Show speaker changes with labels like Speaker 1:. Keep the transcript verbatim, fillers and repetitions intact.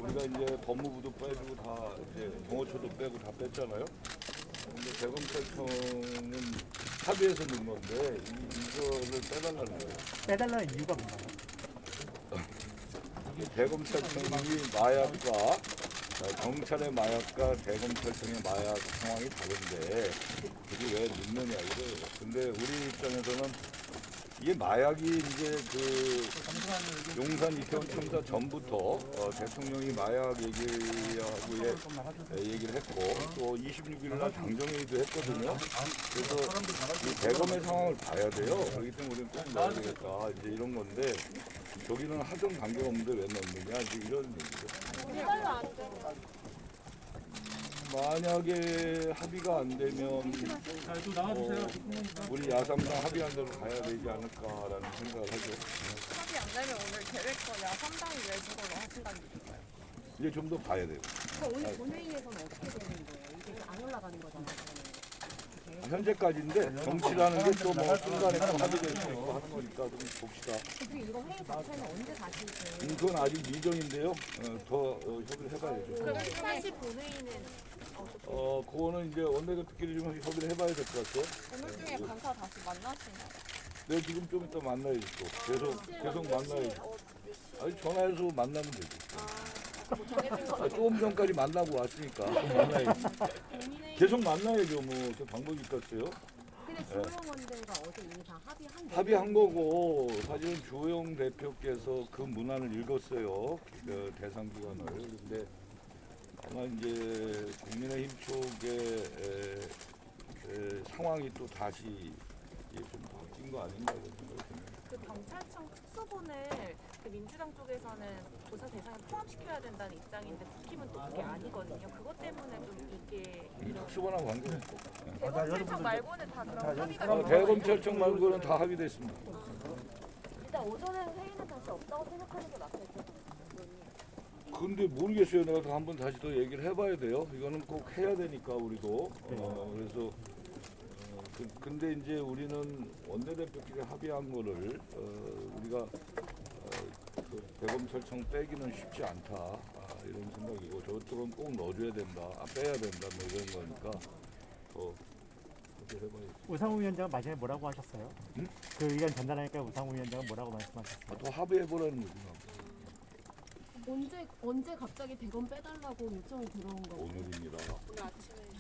Speaker 1: 우리가 이제 법무부도 빼주고 다 이제 경호처도 빼고 다 뺐잖아요. 근데 대검찰청은 합의해서 넣은 건데 이, 이거를 빼달라는 거예요.
Speaker 2: 빼달라는 이유가 뭔가요?
Speaker 1: 이게 대검찰청이 마약과 어, 경찰의 마약과 대검찰청의 마약 상황이 다른데 그게 왜 넣느냐 이거예요. 근데 우리 입장에서는 이게 마약이 이제 그 용산 이태원 참사 전부터 어, 대통령이 마약 얘기하고 예, 얘기를 했고 또 이십육 일 날 당정회의도 했거든요. 그래서 이 대검의 상황을 봐야 돼요. 그렇기 때문에 우리는 꼭 넣어야 되겠다. 이제 이런 건데 저기는 하던 관계가 없는데 왜 넣느냐 이제 이런 얘기죠. 만약에 합의가 안 되면 어, 우리 야삼당 합의한 대로 가야 되지 않을까라는 생각을 하죠.
Speaker 3: 합의 안 되면 오늘 계획서 야삼당이 내준 걸로 하신다는 얘기인가요?
Speaker 1: 이제 좀 더 봐야 돼요.
Speaker 4: 오늘 본회의에서는 어떻게 되는 거예요? 이게 안 올라가는 거잖아요.
Speaker 1: 현재까지인데 정치라는 게 또 뭐 순간에 또 합의될 수 있고 하는 거니까 좀 봅시다.
Speaker 4: 그리고 이거 회의 자체는 언제 다시 그
Speaker 1: 음, 그건 아직 미정인데요. 어, 더 어, 협의를 해봐야죠.
Speaker 3: 그러면 사시 본회의는
Speaker 1: 어, 그거는 이제 원내대표끼리 좀 협의를 해봐야 될 것 같아요.
Speaker 3: 오늘 중에 간사 다시 만나시나요?
Speaker 1: 네, 지금 좀 이따 만나야지 또. 계속, 계속 만나야지. 아니, 전화해서 만나면 되지.
Speaker 3: 뭐 정해진 건
Speaker 1: 아, 조금 전까지 만나고 왔으니까 만나야지. 계속 만나야죠. 뭐, 그 방법이 있겠어요.
Speaker 4: 근데 주호영 원장과 어제 이미 다 합의한 거예요?
Speaker 1: 합의한 거고 사실은 주호영 대표께서 그 문안을 읽었어요. 그 대상 기관을. 근데 아마 이제 국민의힘 쪽의 에, 에, 상황이 또 다시 좀 바뀐 거 아닌가 이런 생각이 드네요.
Speaker 3: 그 경찰청 특수본을 그 민주당 쪽에서는 조사 대상에 포함시켜야 된다는 입장인데 국힘은 또 그게 아니거든요. 그것 때문에 좀 이게 이런
Speaker 1: 수반하고 관계없고.
Speaker 3: 대검찰청 말고는 다 그런 합의가
Speaker 1: 어,
Speaker 3: 있는
Speaker 1: 대검찰청 말고는 다 합의됐습니다.
Speaker 4: 일단 오전에는 회의는 다시 없다고 생각하는 게 맞겠죠?
Speaker 1: 근데 모르겠어요. 내가 더 한번 다시 더 얘기를 해봐야 돼요. 이거는 꼭 해야 되니까 우리도. 어, 그래서 어, 그, 근데 이제 우리는 원내대표끼리 합의한 거를 어, 우리가 어, 그 대검찰청 빼기는 쉽지 않다 아, 이런 생각이고 저쪽은 꼭 넣어줘야 된다, 아, 빼야 된다 뭐 이런 거니까 더 그렇게 해봐야지.
Speaker 2: 우상호 위원장은 마지막에 뭐라고 하셨어요?
Speaker 1: 응?
Speaker 2: 그 의견 전달하니까 우상호 위원장은 뭐라고 말씀하셨어요?
Speaker 1: 아, 더 합의해보라는 거지. 뭐.
Speaker 4: 언제 언제 갑자기 대검 빼달라고 요청이 들어온 거예요?
Speaker 1: 오늘입니다.
Speaker 3: 오늘 아침에